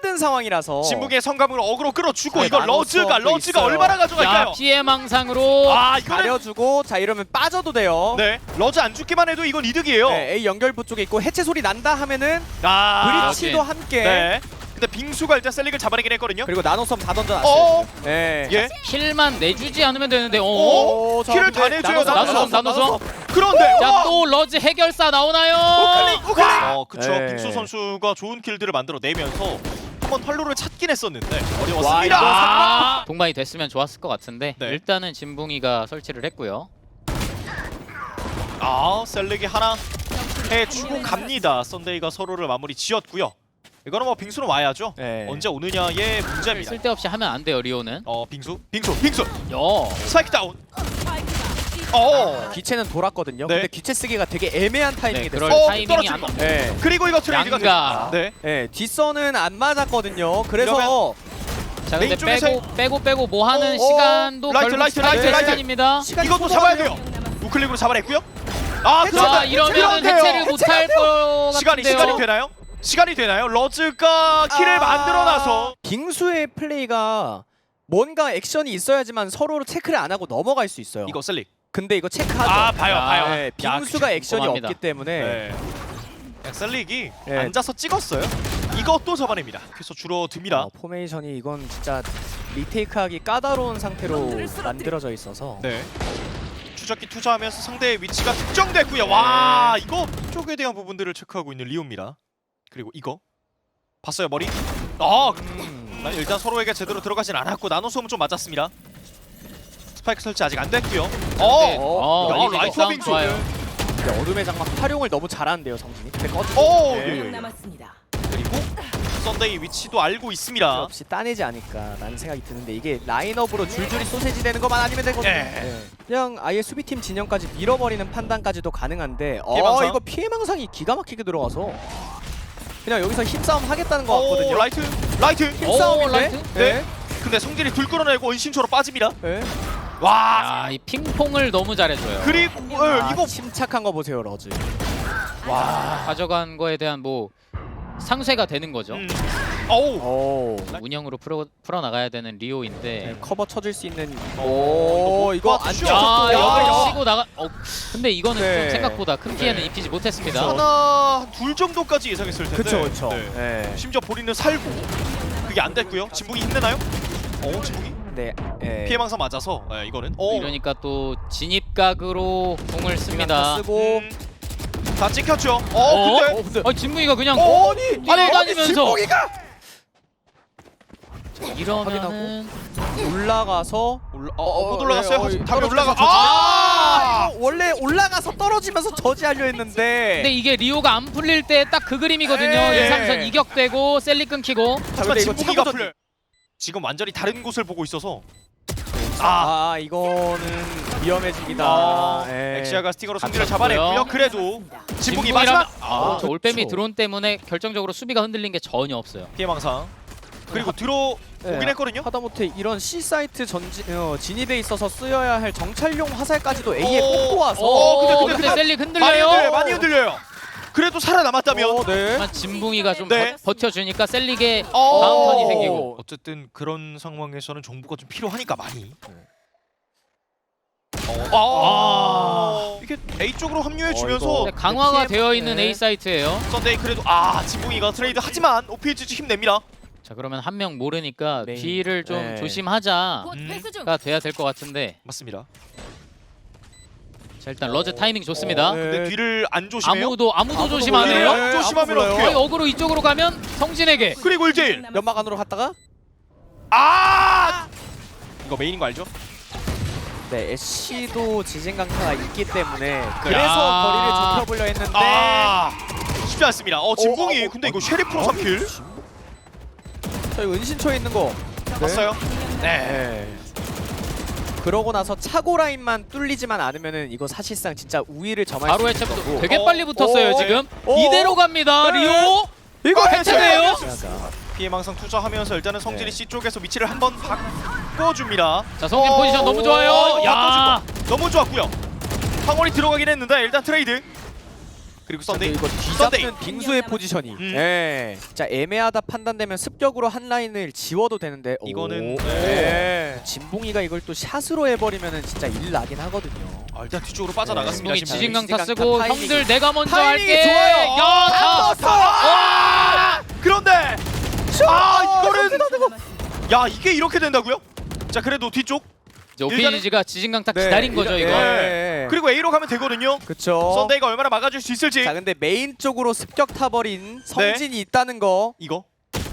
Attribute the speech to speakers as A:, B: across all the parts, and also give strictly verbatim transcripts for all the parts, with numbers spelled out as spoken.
A: 힘든 상황이라서
B: 진북의 성감으로 어그로 끌어주고
A: 자,
B: 이거
A: 나노
B: 러즈가
A: 수업도
B: 러즈가
A: 있어요.
B: 얼마나 가져갈까요?
C: 야, 피해망상으로
B: 아 이거는
A: 가려주고 자 이러면 빠져도 돼요.
B: 네 러즈 안 죽기만 해도 이건 이득이에요.
A: 네, A 연결부 쪽에 있고 해체 소리 난다 하면은
B: 아
A: 브리치도
C: 여기.
A: 함께
B: 네. 근데 빙수가 일단 셀릭을 잡아내긴 했거든요.
A: 그리고 나노섬 다
B: 어?
A: 던져놨어요. 네.
B: 예.
C: 킬만 내주지 않으면 되는데 어?
A: 오, 자,
B: 킬을
A: 근데
B: 다 내줘요,
C: 나노섬, 나노섬.
B: 그런데 와!
C: 자, 또 러즈 해결사 나오나요?
B: 우클릭 우클릭. 어 그쵸.
A: 네.
B: 빙수 선수가 좋은 킬들을 만들어 내면서 한번 활로를 찾긴 했었는데
A: 와,
B: 어려웠습니다.
A: 이거
C: 아, 동반이 됐으면 좋았을 것 같은데
B: 네.
C: 일단은 진붕이가 설치를 했고요.
B: 아 셀릭이 하나 해주고 갑니다. 썬데이가 서로를 마무리 지었고요. 이거는 뭐 빙수는 와야죠.
A: 네.
B: 언제 오느냐의 문제입니다.
C: 쓸데없이 하면 안 돼요, 리오는.
B: 어 빙수 빙수 빙수
C: 요.
B: 스파이크 다운. 어
A: 귀체는 돌았거든요.
B: 네.
A: 근데 귀체 쓰기가 되게 애매한 타이밍이
C: 네,
A: 됐어요.
C: 그럴
B: 어,
C: 타이밍이
B: 떨어진
C: 안
B: 거.
A: 네.
B: 그리고 이거 트레이드가
C: 양가.
B: 됩니다. 네.
A: 네, 뒷선은 안 맞았거든요. 그래서
C: 자, 근데
B: 메인 쪽에서
C: 빼고 빼고 빼고 뭐 하는
B: 어, 어.
C: 시간도
B: 라이트,
C: 결국
B: 라이트,
C: 스파이크
A: 라이트, 라이트.
C: 시간입니다.
A: 시간이
B: 이것도 잡아야 돼요. 우클릭으로 잡아냈고요. 아
A: 해체.
B: 그런데
C: 자, 이러면
B: 그런데요.
C: 해체를 못할 것
B: 시간이
C: 같은데요.
B: 시간이 되나요? 시간이 되나요? 러즈가 킬을
A: 아.
B: 만들어놔서
A: 빙수의 플레이가 뭔가 액션이 있어야지만 서로 체크를 안 하고 넘어갈 수 있어요.
B: 이거 셀릭.
A: 근데 이거 체크하죠.
B: 아 봐요
C: 아,
B: 봐요.
A: 네, 빙수가 액션이
C: 궁금합니다.
A: 없기 때문에
B: 네. 그냥 셀릭이
A: 네.
B: 앉아서 찍었어요. 이것도 잡아냅니다. 그래서 줄어듭니다.
A: 어, 포메이션이 이건 진짜 리테이크하기 까다로운 상태로 만들어져 있어서
B: 네. 추적기 투자하면서 상대의 위치가 특정됐고요. 와 이거 쪽에 대한 부분들을 체크하고 있는 리오입니다. 그리고 이거 봤어요 머리? 아
A: 음,
B: 일단 서로에게 제대로 들어가진 않았고 나노솜은 좀 맞았습니다. 스파이크 설치 아직 안 됐고요.
C: 네.
B: 어.
C: 어,
B: 야,
C: 리리도
B: 라이트
C: 싸움
B: 빙수.
C: 좋아요.
A: 근데 어둠의 장막 활용을 너무 잘하는데요 성진이. 근데 꺼지고
B: 오.
A: 네.
B: 예, 예.
D: 남았습니다.
B: 그리고 썬데이 위치도 알고 있습니다.
A: 없이 따내지 않을까라는 생각이 드는데 이게 라인업으로 줄줄이 소세지 되는 것만 아니면 되거든요.
B: 네.
A: 네. 그냥 아예 수비팀 진영까지 밀어버리는 판단까지도 가능한데 어
B: 피해망상?
A: 이거 피해망상이 기가 막히게 들어가서 그냥 여기서 힘싸움 하겠다는 것
B: 오
A: 같거든요.
B: 라이트 라이트.
A: 힘싸움인데?
C: 오, 라이트?
B: 네. 근데 성진이 둘 끌어내고 은신초로 빠집니다.
A: 네.
B: 와
C: 아, 이 핑퐁을 너무 잘해줘요.
B: 그리고 예,
A: 아,
B: 이거
A: 침착한 거 보세요 러즈.
C: 와, 가져간 거에 대한 뭐 상쇄가 되는 거죠.
B: 음. 어우
A: 오.
C: 운영으로 풀어 풀어 나가야 되는 리오인데.
A: 네, 커버 쳐줄 수 있는.
B: 오,
A: 오
B: 이거
A: 이거
B: 못
A: 안
B: 봐주죠.
A: 쳤고.
C: 아,
B: 야.
C: 여기를 치고 나가. 어, 근데 이거는
A: 네.
C: 좀 생각보다 큰 피해는
B: 네.
C: 입히지 못했습니다.
B: 하나 둘 정도까지 예상했을 텐데.
A: 그쵸 그쵸.
B: 네.
A: 네.
B: 심지어 본인은 살고 그게 안 됐고요. 진북이 힘내나요? 어 진북이
A: 네. 네.
B: 피해망상 맞아서 네, 이거는 어
C: 이러니까 또 진입각으로 공을 씁니다.
A: 쓰고.
B: 음, 다 찍혔죠. 어,
C: 어?
B: 근데
A: 어 근데.
C: 아, 진무이가 그냥
B: 어,
A: 아니
C: 뛰어다니면서
A: 진봉이가
C: 이러면은
A: 올라가서
B: 올라
A: 어,
B: 어, 못
A: 어,
B: 올라갔어요.
A: 네, 어,
B: 답이
A: 떨어지면서
B: 올라가.
A: 저지.
B: 아!
A: 이거 원래 올라가서 떨어지면서 저지하려 했는데.
C: 근데 이게 리오가 안 풀릴 때 딱 그 그림이거든요.
A: 네.
C: 이, 삼선 이격되고 셀리 끊기고.
A: 자,
B: 하지만
A: 근데 이거
B: 진북이가
A: 차고전-
B: 풀려. 지금 완전히 다른 곳을 보고 있어서 아,
A: 아 이거는 위험해집니다.
B: 아,
A: 예.
B: 엑시아가 스틱으로 승리를
C: 갇혔고요.
B: 잡아냈고요. 그래도 진북이
C: 진북이라면-
B: 마지막
C: 아, 저
A: 그쵸.
C: 올빼미 드론 때문에 결정적으로 수비가 흔들린 게 전혀 없어요.
B: 피해망상 그리고 들어오긴
A: 네,
B: 했거든요.
A: 하다못해 이런 C 사이트 전지 어, 진입에 있어서 쓰여야 할 정찰용 화살까지도 A에
B: 오.
A: 꽂고 와서.
B: 어, 근데, 근데,
C: 근데
B: 근데
C: 셀리
B: 많이
C: 흔들려요.
B: 흔들려요. 많이 흔들려요. 그래도 살아남았다면
A: 어, 네.
C: 하지만 진붕이가 좀
B: 네.
C: 버, 버텨주니까 셀릭의
B: 어.
C: 다음 턴이 생기고.
B: 어쨌든 그런 상황에서는 정보가 좀 필요하니까 많이.
A: 네.
B: 어. 아. 이게 A 쪽으로 합류해 주면서
A: 어,
C: 근데 강화가
A: 피해-
C: 되어 있는
A: 네.
C: A 사이트예요.
B: 썬데이 그래도 아 진붕이가 트레이드 하지만 오피에이지 힘냅니다.
C: 자, 그러면 한 명 모르니까
A: 메인.
C: B를 좀
A: 네.
C: 조심하자가
D: 곧
B: 음.
D: 회수 중.
C: 돼야 될 것 같은데.
B: 맞습니다.
C: 자, 일단 러즈 타이밍 좋습니다.
A: 어, 네.
B: 근데 뒤를 안 조심해요.
C: 아무도 아무도
A: 아무도
C: 조심 안 해요.
A: 몰라요.
B: 네, 조심하면
A: 아무도 몰라요.
B: 어떡해요?
C: 거의 어그로 이쪽으로 가면 성진에게.
B: 그리고 일 대일.
A: 연막 안으로 갔다가
B: 아! 이거 메인인 거 알죠?
A: 네 애쉬도 지진 강타가 있기 때문에 그래서
C: 야.
A: 거리를 좁혀보려 했는데.
B: 아! 쉽지 않습니다. 어 진붕이
A: 어, 어,
B: 근데
A: 어,
B: 이거 쉐리프로
A: 어,
B: 삼 킬.
A: 저 이거 은신초에 있는 거.
B: 봤어요? 네.
A: 네. 그러고 나서 차고 라인만 뚫리지만 않으면은 이거 사실상 진짜 우위를 점할
C: 바로
A: 수 있을
C: 해체부터
A: 거고.
C: 되게
B: 어,
C: 빨리 붙었어요
A: 어,
C: 지금.
A: 어,
C: 이대로 갑니다.
A: 네.
C: 리오.
A: 이거
B: 어,
C: 해체돼요?
A: 해체돼요.
B: 피해망상 투자하면서 일단은 성진이
A: 네.
B: C 쪽에서 위치를 한번 바꿔줍니다.
C: 자, 성진
B: 어,
C: 포지션 너무 좋아요.
B: 어,
C: 야.
B: 바꿔주고. 너무 좋았고요. 황홀이 들어가긴 했는데 일단 트레이드. 그리고
A: 근데
B: 썬데이.
A: 이거
B: 썬데이.
A: 뒤잡는 빙수의 포지셔닝.
B: 음.
A: 예. 진짜 애매하다 판단되면 습격으로 한 라인을 지워도 되는데
B: 이거는-
A: 오. 예. 진봉이가 이걸 또 샷으로 해버리면은 진짜 일 나긴 하거든요.
B: 아, 일단 뒤쪽으로 빠져나갔습니다.
C: 진봉이
B: 지금.
C: 지진강타
A: 지진강타
C: 쓰고
A: 타이밍이-
C: 형들 내가 먼저
A: 타이밍이
C: 할게.
A: 좋아요.
C: 야,
B: 다
C: 다.
B: 떴어. 아! 그런데 아, 이거는 야, 이게 이렇게 된다고요? 자, 그래도 뒤쪽.
C: 이제 오피지가 지진강타 기다린 거죠 이거.
A: 예.
B: 그리고 A로 가면 되거든요.
A: 그쵸.
B: 썬데이가 얼마나 막아줄 수 있을지.
A: 자 근데 메인 쪽으로 습격 타버린 성진이 있다는 거.
B: 이거.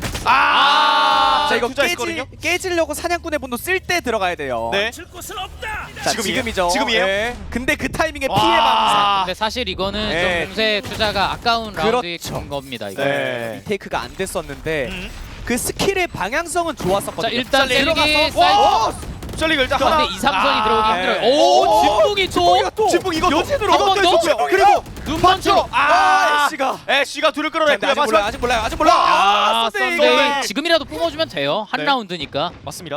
B: 아!
A: 자 이거
B: 투자했거든요.
A: 깨지, 깨지려고 사냥꾼의 분도 쓸 때 들어가야 돼요.
B: 네.
A: 자
B: 지금이에요?
A: 지금이죠.
B: 지금이에요?
A: 예. 근데 그 타이밍에
B: 와.
A: 피해 망상.
B: 아.
C: 근데 사실 이거는
A: 네.
C: 좀 공세 투자가 아까운 라운드인
A: 그렇죠.
C: 겁니다 이거.
B: 네.
A: 리테이크가 안 됐었는데
B: 음.
A: 그 스킬의 방향성은 좋았었거든요.
C: 자 일단
B: 셀리
C: 셀릭이
B: 들어가서-
C: 사이트.
B: 셀리가 일단
C: 근데
B: 하나.
C: 이 삼선이 들어오기
B: 아,
C: 힘들어요.
A: 네.
C: 오,
B: 오,
C: 진봉이 또
A: 또
B: 진봉 이것도
A: 여진으로
C: 한번
B: 이것도
C: 더?
B: 있었고요. 그리고
C: 눈번쩍.
B: 아,
A: 아, 애쉬가.
B: 애쉬가 둘을 끌어냈고요.
A: 아직 몰라요.
B: 마지막
A: 아직 몰라요. 아직 몰라.
C: 아,
A: 아, 썬데이.
C: 썬데이 지금이라도 뿜어주면 돼요. 한
B: 네.
C: 라운드니까.
B: 맞습니다.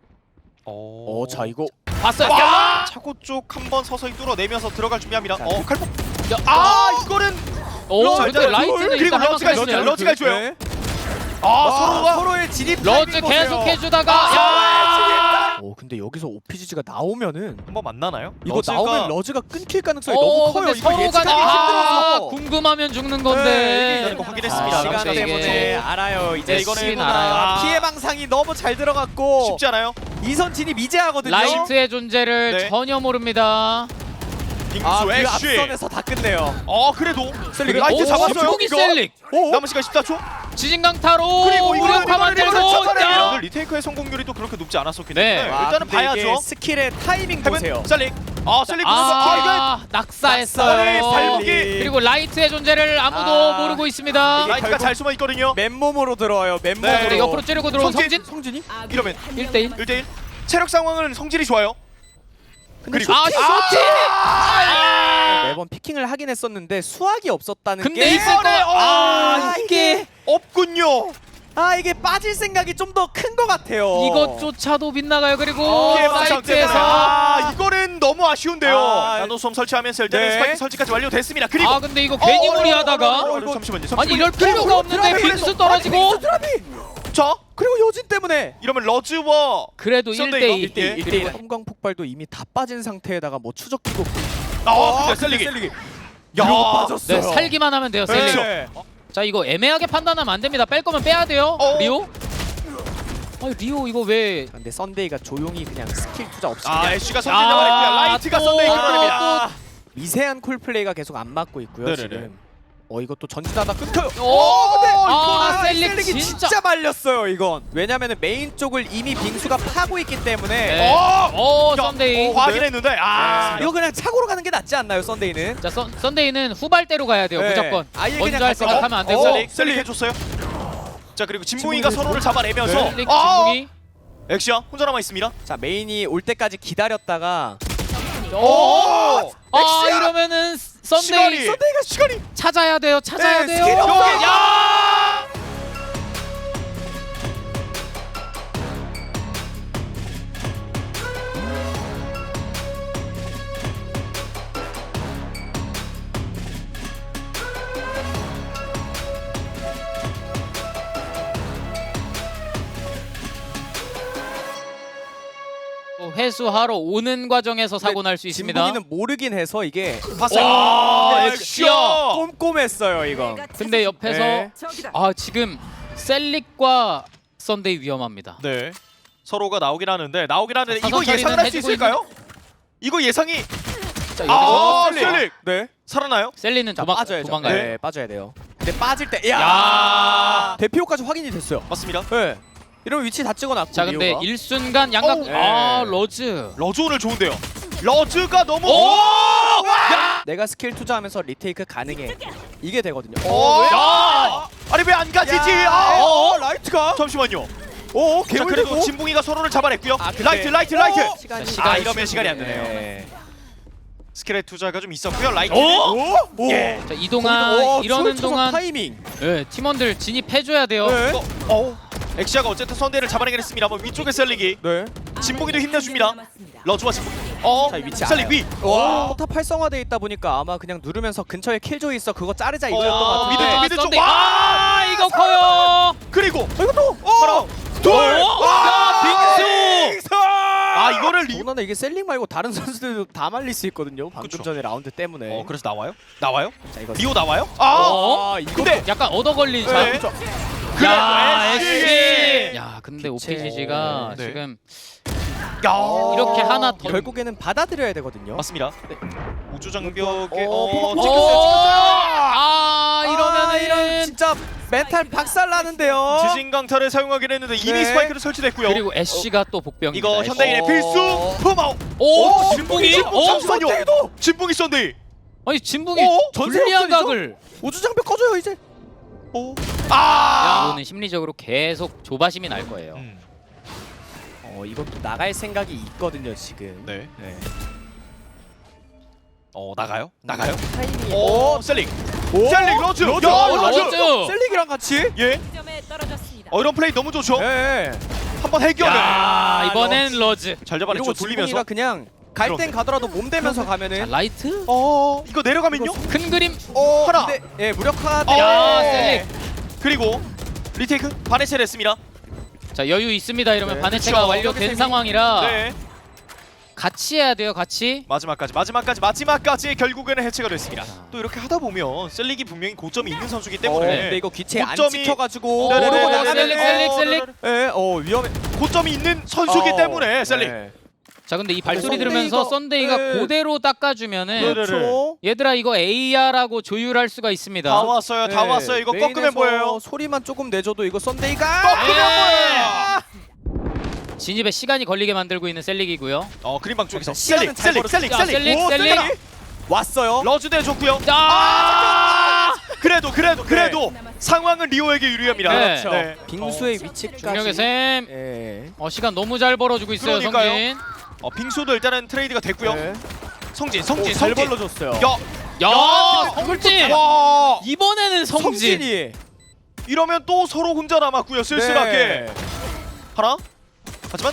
B: 오,
A: 어, 자 이거
C: 봤어요.
B: 와! 차고 쪽 한 번 서서히 뚫어내면서 들어갈 준비합니다.
A: 자,
B: 어, 칼폭.
C: 야,
B: 아, 이거는
C: 오,
B: 러즈,
C: 근데
B: 러즈,
C: 라이트는
B: 그리고
C: 일단 할
B: 러즈가
C: 만큼
B: 있어요.
C: 했어요.
B: 러즈가 해줘요.
A: 네.
B: 아,
A: 와,
B: 서로가
A: 서로의 진입
C: 러즈
A: 타이밍 보세요.
C: 계속 해주다가
B: 아,
C: 야!
A: 오 근데 여기서 오피지가 나오면은
B: 한번 만나나요?
A: 이거
B: 러즈가-
A: 나오면 러즈가 끊길 가능성이
C: 어,
A: 너무 커요.
C: 근데
A: 이거
C: 서로가
A: 예측하기
C: 아,
A: 힘들어서.
C: 궁금하면 죽는
A: 네,
C: 건데.
B: 이거 확인했습니다.
C: 아,
A: 시간
C: 근데 이게-
A: 때문에 알아요. 이제
B: 네, 이거는
A: 이거는
C: 알아요.
B: 아.
A: 피해 방상이 너무 잘 들어갔고
B: 쉽지 않아요.
A: 이선 진입 이제 하거든요.
C: 라이트의 존재를
B: 네.
C: 전혀 모릅니다.
B: 빙수
A: 아, 그
B: 애쉬.
A: 앞선에서 다 끝내요.
B: 어, 그래도
A: 셀릭.
B: 라이트
C: 오,
B: 잡았어요.
C: 진봉이
B: 이거.
C: 셀릭.
A: 오,
B: 남은 시간 십사 초.
C: 지진강타로
B: 그리고 이거는
C: 무력화 만들고.
B: 이거는
C: 야!
B: 오늘 리테이크의 성공률이 또 그렇게 높지 않았었기
C: 네.
B: 때문에
A: 와,
B: 일단은
A: 근데 이게
B: 봐야죠.
A: 스킬의 타이밍 보세요.
B: 헤븐 셀릭. 아, 셀릭 보면서 아, 이거
C: 아, 낙사했어요.
B: 낙사의 발목이.
C: 그리고 라이트의 존재를 아무도
A: 아,
C: 모르고 있습니다.
A: 이게
B: 라이트가
A: 결국-
B: 잘 숨어 있거든요.
A: 맨몸으로 들어와요. 맨몸으로.
B: 네,
C: 근데 옆으로 찌르고 들어온
B: 성진.
C: 성진
A: 성진이?
B: 이러면
C: 일 대 일.
B: 일 대 일. 체력 상황은 성질이 좋아요. 그리고
C: 아, 쇼티! 아!
A: 매번 피킹을 하긴 했었는데 수학이 없었다는
C: 근데
A: 게
C: 있을 거.
B: 이번에, 어,
C: 아, 이게
B: 없군요.
A: 아 이게 빠질 생각이 좀 더 큰 것 같아요.
C: 이것조차도 빗나가요. 그리고
B: 피해 방상 때문에.
C: 사이트에서
B: 아, 이거는 너무 아쉬운데요.
A: 아,
B: 나노솜 설치하면서 일단은
A: 네.
B: 스파이크 설치까지 완료됐습니다. 그리고
C: 아, 근데 이거 괜히
B: 어, 어,
C: 무리하다가
B: 어, 어, 어, 잠시만요. 잠시만요.
C: 아니 이럴 필요가 없는데 빙수 떨어지고.
A: 빙수 드랍이.
B: 자,
A: 그리고 여진 때문에
B: 이러면 러즈와
C: 그래도 일
B: 썬데이
C: 대
B: 이거?
C: 일.
B: 일 대 일.
A: 일 대 일 섬광 폭발도 이미 다 빠진 상태에다가 뭐 추적 기고.
B: 아, 근데 셀릭이.
A: 셀릭이.
B: 야,
A: 이러고 빠졌어요.
C: 네, 살기만 하면 돼요. 셀릭.
A: 네.
C: 자, 이거 애매하게 판단하면 안 됩니다. 뺄 거면 빼야 돼요.
B: 어.
C: 리오? 아, 리오 이거 왜
A: 근데 썬데이가 조용히 그냥 스킬 투자 없이
B: 아,
A: 그냥
B: 애쉬가 성질 잡아냈고요. 라이트가
C: 또,
B: 썬데이
C: 또,
B: 끌어냅니다.
A: 미세한 콜플레이가 계속 안 맞고 있고요.
B: 네네네.
A: 지금. 어 이것도 전진하다 끊겨요.
C: 오,
A: 근데
C: 아,
A: 이거는
C: 셀릭
A: 셀릭이
C: 진짜.
A: 진짜 말렸어요 이건. 왜냐면은 메인 쪽을 이미 빙수가 파고 있기 때문에
C: 네.
B: 어!
C: 오,
B: 야,
C: 썬데이.
B: 어, 확인했는데 아,
A: 이거 그냥 착오로 가는 게 낫지 않나요 썬데이는?
C: 자, 썬, 썬데이는 후발대로 가야 돼요.
A: 네.
C: 무조건.
A: 아예
C: 먼저
A: 그냥
C: 할
A: 갈 거.
C: 생각하면 안 되고.
A: 어,
B: 셀릭 셀릭 해줬어요. 자, 그리고 진봉이가
A: 진봉이
B: 서로를 잡아내면서
A: 네.
C: 셀릭
B: 아,
C: 진봉이.
B: 엑시야 혼자 남아 있습니다.
A: 자 메인이 올 때까지 기다렸다가
C: 오! 아,
B: 엑시야!
C: 이러면은 썬데이
B: 시간이 썬데이가 시간이
C: 찾아야 돼요. 찾아야
A: 네,
C: 돼요.
A: 스킬이 없어요.
B: 여기 야!
C: 또 회수하러 오는 과정에서 사고 날 수 있습니다.
A: 진봉이는 모르긴 해서 이게
B: 봤어요.
C: 와,
B: 아,
C: 엑시야.
A: 꼼꼼했어요 이거.
C: 근데 옆에서
A: 네.
C: 아, 지금 셀릭과 썬데이 위험합니다.
B: 네. 서로가 나오긴 하는데 나오긴 하는데
C: 자,
B: 이거
C: 사선
B: 예상을
C: 처리는
B: 할 수
C: 해주고
B: 있을까요? 이거 예상이
C: 자,
B: 아,
C: 여기서
B: 셀릭
A: 네.
B: 살아나요?
C: 셀리는
A: 자
C: 도망,
A: 빠져야죠.
C: 도망가요.
A: 네, 빠져야 돼요. 근데 빠질 때 야!
B: 야!
A: 대피호까지 확인이 됐어요.
B: 맞습니다.
A: 네. 이러면 위치 다 찍어놨고.
C: 자, 근데
A: 리오가.
C: 일순간 양각.
B: 어우.
C: 아,
A: 네.
C: 러즈.
B: 러즈 오늘 좋은데요. 러즈가 너무
C: 오!
B: 야!
A: 내가 스킬 투자하면서 리테이크 가능해. 이게 되거든요.
B: 어,
A: 왜?
B: 야! 아니 왜 안 가지지?
A: 야!
B: 아, 어,
A: 어, 라이트가?
B: 잠시만요.
A: 오,
B: 자,
A: 개울되고.
B: 그래도 진봉이가 서로를 잡아냈고요.
A: 아, 근데-
B: 라이트, 라이트, 라이트.
A: 어, 시간이,
C: 자, 시간이
B: 아, 이러면 시간이 안 되네요.
A: 네.
B: 스킬의 투자가 좀 있었고요. 라이트.
C: 오!
A: 오! 오!
B: 예.
C: 자, 이동안
A: 오,
C: 이러는
A: 초월 초성
C: 동안
A: 타이밍.
C: 네, 팀원들 진입해줘야 돼요.
A: 네.
B: 어, 어. 엑시아가 어쨌든 선대를 잡아내긴 했습니다. 뭐 위쪽에 셀리기.
A: 네.
B: 진봉이도 힘내줍니다. 러즈와 진봉이. 어,
A: 자, 이 위치
B: 셀릭
A: 알아요.
B: 위.
A: 와. 포탑 활성화돼 있다 보니까 아마 그냥 누르면서 근처에 킬조이 있어 그거 자르자 이거였던 것
B: 어,
A: 같은데.
B: 미드 쪽, 미드 쪽.
C: 썬데이.
B: 와!
C: 아 이거 커요.
B: 그리고
A: 어, 이거 또.
B: 하나, 둘.
C: 오! 야, 빙수!
B: 아, 이거를 리.
A: 더군다나 이게 셀링 말고 다른 선수들도 다 말릴 수 있거든요. 방금
B: 그쵸.
A: 전에 라운드 때문에.
B: 어, 그래서 나와요? 나와요?
A: 자, 이거
B: 리오 나와요? 아!
C: 어?
A: 아, 이거
B: 근데
C: 약간 얻어 걸린
B: 네.
C: 샷.
B: 그래,
C: 야,
B: 에쉬!
C: 에쉬. 야, 근데
A: 기체.
C: 오피지지가
B: 네.
C: 지금
B: 야,
C: 이렇게 하나 더
A: 결국에는 받아들여야 되거든요.
B: 맞습니다.
A: 네.
B: 우주 장벽에
A: 어,
B: 어,
A: 포커
C: 오!
B: 찍혔어요,
C: 아,
A: 아,
C: 이러면은
A: 이런 진짜 멘탈 박살 나는데요.
B: 찍혔어요. 지진 강타를 사용하긴 했는데 이미
A: 네.
B: 스파이크를 설치됐고요.
C: 그리고 애쉬가 또 복병입니다.
B: 이거
C: 애쉬.
B: 현대인의
A: 어.
B: 필수 푸마오.
C: 오,
B: 오,
C: 진붕이?
B: 진붕이
C: 어?
B: 잠시만요. 진붕이 썬데이.
C: 아니, 진붕이
B: 어?
C: 불리한
A: 전세역전이죠?
C: 각을.
A: 우주 장벽 꺼줘요 이제.
B: 오. 아.
C: 이거는 심리적으로 계속 조바심이 날 거예요.
B: 음.
A: 어 이것도 나갈 생각이 있거든요 지금.
B: 네.
A: 네.
B: 어, 나가요? 나가요?
A: 타이밍이.
B: 오, 셀링.
A: 오!
B: 셀링 러즈.
A: 러즈!
B: 야,
A: 어,
B: 러즈.
C: 러즈!
A: 셀릭이랑 같이.
B: 예.
D: 점에 떨어졌습니다.
B: 어, 이런 플레이 너무 좋죠.
A: 네.
B: 한번 해결을.
C: 야, 이번엔 러즈.
B: 잘
A: 이러고
B: 잡아냈죠.
A: 돌리면서
B: 돌리면서.
A: 그냥 갈 땐
B: 그런데.
A: 가더라도 몸 대면서
C: 자,
A: 가면은.
C: 라이트?
B: 어, 이거 내려가면요?
C: 큰 그림.
A: 어
B: 하나.
A: 근데 예 무력화.
B: 어.
C: 야, 셀릭.
B: 그리고 리테이크 바네체를 했습니다.
C: 자, 여유 있습니다. 이러면
A: 네.
C: 바네체가
B: 그쵸.
C: 완료된
A: 여기서
C: 상황이라
B: 네.
C: 같이 해야 돼요. 같이.
B: 마지막까지 마지막까지 마지막까지 결국에는 해체가 됐습니다. 또 이렇게 하다 보면 셀릭이 분명히 고점이 있는 선수이기
A: 어,
B: 때문에
A: 근데 이거 기체 안
B: 고점이-
A: 찍혀가지고
B: 네네네.
A: 모르고
B: 셀릭,
A: 나가면
C: 셀릭, 셀릭, 셀릭.
A: 예, 어 위험해.
B: 고점이 있는 선수이기
A: 어,
B: 때문에 셀릭.
A: 네.
C: 자, 근데 이 발소리
A: 썬데이가-
C: 들으면서 썬데이가
A: 네.
C: 그대로 닦아주면은
B: 네네네.
A: 그렇죠.
C: 얘들아 이거 에이아라고 조율할 수가 있습니다.
B: 다 왔어요. 다
A: 네,
B: 왔어요. 이거 꺾으면
A: 메인에서
B: 보여요.
A: 소리만 조금 내줘도 이거 썬데이가
B: 꺾으면
C: 예.
B: 보여요.
C: 진입에 시간이 걸리게 만들고 있는 셀릭이고요.
B: 어, 그린방 쪽에서
A: 시간은
B: 셀릭
A: 잘
B: 셀릭
A: 벌었어.
B: 셀릭
C: 자,
B: 셀릭.
C: 셀릭,
B: 오,
C: 셀릭.
B: 셀릭.
A: 왔어요.
B: 러즈 대줬고요.
C: 자,
B: 그래도 그래도 그래도
D: 네.
B: 상황은 리오에게 유리합니다.
C: 네.
A: 그렇죠. 빙수의 위치까지.
C: 중력의 샘.
A: 예.
C: 어, 시간 너무 잘 벌어주고 있어요,
B: 그러니까요.
C: 성진.
B: 어, 빙수도 일단은 트레이드가 됐고요.
A: 네.
B: 성진
A: 오,
B: 성진
A: 잘
B: 성진.
A: 벌러줬어요.
B: 야,
C: 야,
B: 야,
C: 성진.
B: 와.
C: 이번에는 성진.
A: 성진이.
B: 이러면 또 서로 혼자 남았고요. 쓸쓸하게.
A: 네.
B: 하나. 하지만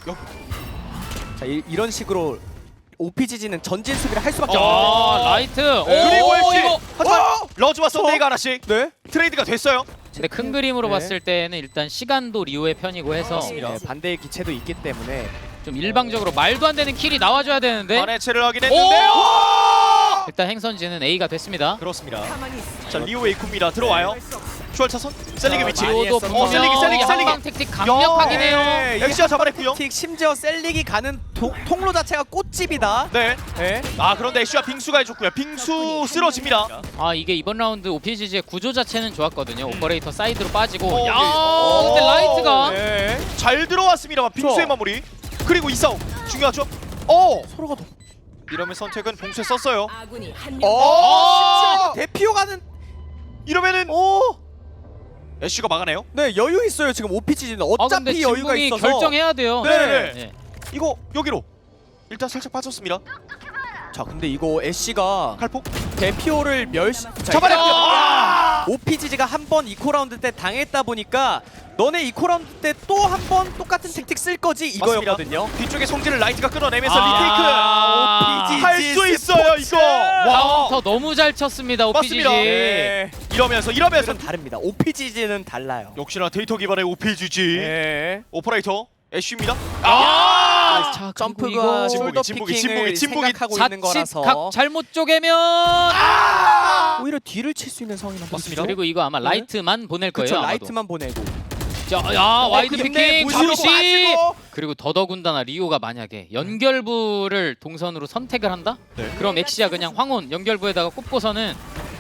A: 자 이, 이런 식으로 오피지지는 전진 수비를 할 수밖에
C: 아,
A: 없는데.
C: 라이트.
A: 네.
B: 그리고
C: 오,
B: 엑시.
C: 이거.
B: 하지만
A: 어!
B: 러즈와 썬데이가 하나씩
A: 네.
B: 트레이드가 됐어요.
C: 근데 큰 그림으로
A: 네.
C: 봤을 때는 일단 시간도 리오의 편이고 해서
B: 맞습니다.
A: 네, 반대의 기체도 있기 때문에.
C: 좀 일방적으로 말도 안 되는 킬이 나와줘야 되는데
B: 반해체를 하긴
C: 오!
B: 했는데요.
C: 일단 행선지는 A가 됐습니다.
B: 그렇습니다.
D: 가만히 있어.
B: 자, 리오 에이쿠입니다. 들어와요. 추월 차선. 셀릭의 위치.
A: 많이
C: 리오도
A: 했어.
C: 분명히
B: 어, 셀릭이, 셀릭이, 셀릭이.
C: 한방 택틱 강력하긴
B: 야.
C: 해요.
A: 네, 이게
B: 엑시아 잡아냈고요.
A: 틱 심지어 셀릭이 가는 도, 통로 자체가 꽃집이다.
B: 네.
A: 네.
B: 아, 그런데 애쉬와 빙수가 해줬고요. 빙수 쓰러집니다.
C: 아 이게 이번 라운드 오피지지의 구조 자체는 좋았거든요. 오퍼레이터 사이드로 빠지고
B: 어,
C: 야
B: 네.
C: 근데 라이트가
A: 네.
B: 잘 들어왔습니다만 빙수의
A: 그렇죠.
B: 마무리. 그리고 이 싸움 중요하죠. 어,
A: 서로가 더.
B: 이러면 선택은 봉쇄 썼어요.
D: 아군이 한
A: 어.
D: 명.
A: 심지어 대피오 가는.
B: 이러면은
A: 오.
B: 애쉬가 막아내요.
A: 네 여유 있어요 지금 오피지지는
C: 아 근데
A: 어차피 여유가
C: 진붕이
A: 있어서.
C: 결정해야 돼요.
B: 네네네.
C: 네.
B: 이거 여기로 일단 살짝 빠졌습니다.
A: 자 근데 이거 애쉬가
B: 칼폭
A: 대피오를 멸시. 자,
B: 잡아냈고요.
A: 이게
B: 아!
A: 오피지지가 한 번 이코 라운드 때 당했다 보니까 너네 이코 라운드 때 또 한 번 똑같은 택틱 쓸 거지 이거였거든요.
B: 뒤쪽에 성진을 라이트가 끌어내면서
C: 아,
B: 리테이크 할 수 있어요 이거. 와.
C: 카운터 너무 잘 쳤습니다 오피지지.
B: 맞습니다.
A: 네.
B: 이러면서 이러면서
A: 이건 다릅니다. 오피지지는 달라요.
B: 역시나 데이터 기반의 오피지지
A: 네.
B: 오퍼레이터 애쉬입니다.
C: 아,
A: 자,
C: 그리고
A: 점프가
C: 이거
A: 숄더
B: 진북이,
A: 피킹을
B: 진북이, 진북이
A: 생각하고 있는
C: 자칫
A: 거라서
C: 각 잘못 쪼개면
A: 오히려 뒤를 칠 수 있는 상황이
B: 맞습니다.
C: 그리고 이거 아마 라이트만 보낼 거예요.
A: 그렇죠.
C: 아마도.
A: 라이트만 보내고.
C: 자, 야 와이드
A: 근데
C: 피킹
A: 무시로
C: 잠시
A: 빠지고.
C: 그리고 더더군다나 리오가 만약에 연결부를 동선으로 선택을 한다?
B: 네.
C: 그럼 엑시아 그냥 황혼 연결부에다가 꼽고서는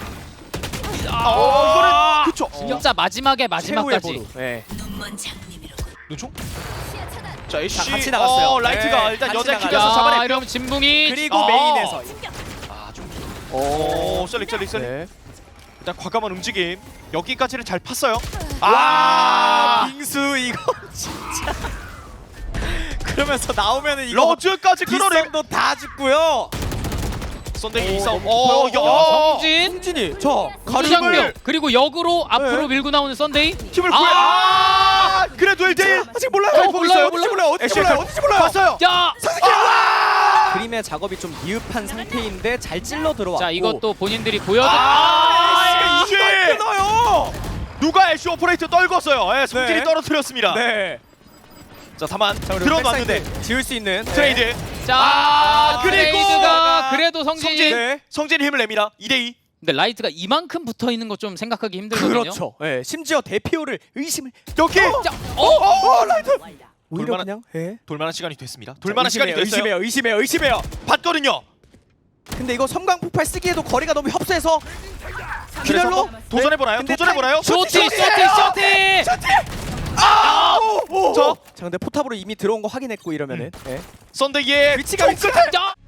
B: 어, 이거는 그쵸.
C: 진짜 마지막에
A: 최후의
C: 마지막까지
A: 보루. 네.
B: 눈총. 자 애쉬
A: 자, 같이 나갔어요.
B: 어, 라이트가
A: 네,
B: 일단
A: 같이
B: 여자
A: 나가요.
B: 킥에서
C: 야
B: 잡아냈고요.
C: 이러면 진붕이
A: 그리고
B: 아.
A: 메인에서.
B: 아좀
A: 오.
B: 오, 셀릭 셀릭 셀릭.
A: 네.
B: 일단 과감한 움직임. 여기까지는 잘 팠어요.
A: 아,
B: 아,
A: 빙수 이거 진짜. 그러면서 나오면은 이거
B: 러즈까지 끌어내.
A: 빗썸도 다 죽고요.
B: 썬데이 이
A: 오,
B: 싸움.
A: 너무
B: 어,
A: 커요.
B: 야.
C: 성진
A: 승진이 저
C: 가루장벽
A: 가루를
C: 그리고 역으로 앞으로
A: 네.
C: 밀고 나오는 썬데이
B: 팀을
C: 아!
B: 구해. 아, 그래도 일 대 일.
A: 아직 몰라요.
C: 어,
A: 어디
C: 몰라요,
A: 어디지 몰라요. 어디지
B: 애쉬
A: 몰라요. 어디지 몰라요.
B: 봤어요.
C: 야
A: 와! 그림의 작업이 좀 미흡한 상태인데 잘 찔러 들어왔고.
C: 자 이것도 본인들이 보여드.
B: 아,
A: 애쉬!
B: 애쉬!
A: 이걸 끊어요.
B: 누가 애쉬 오퍼레이터 떨궜어요. 예, 성질이
A: 네.
B: 떨어뜨렸습니다.
A: 네.
B: 자 다만
A: 자, 그리고
B: 들어놨는데
A: 백사이드 지을 수 있는
B: 트레이드.
C: 자
B: 아, 그리고
C: 트레이드가 그래도 성진이.
B: 성진.
A: 네.
B: 성진이 힘을 냅니다. 이 대 이.
C: 근데 라이트가 이만큼 붙어 있는 거 좀 생각하기 힘들거든요.
A: 그렇죠. 네. 심지어 대피오를 의심을.
B: 여기
C: 자, 어?
A: 어, 라이트. 오히려
B: 돌만한-
A: 그냥. 예.
B: 돌만한 시간이 됐습니다. 돌만한 시간이 됐어요.
A: 의심해요. 의심해요. 의심해요.
B: 봤거든요.
A: 근데 이거 섬광 폭발 쓰기에도 거리가 너무 협소해서
B: 그래서
A: 기별로
B: 도전해 보나요?
A: 근데
B: 도전해 보나요?
C: 쇼티 쇼티 쇼티.
B: 아! 저
A: 자 근데 포탑으로 이미 들어온 거 확인했고 이러면은 예.
B: 썬데이의
A: 위치가
B: 총 끝에
C: 자,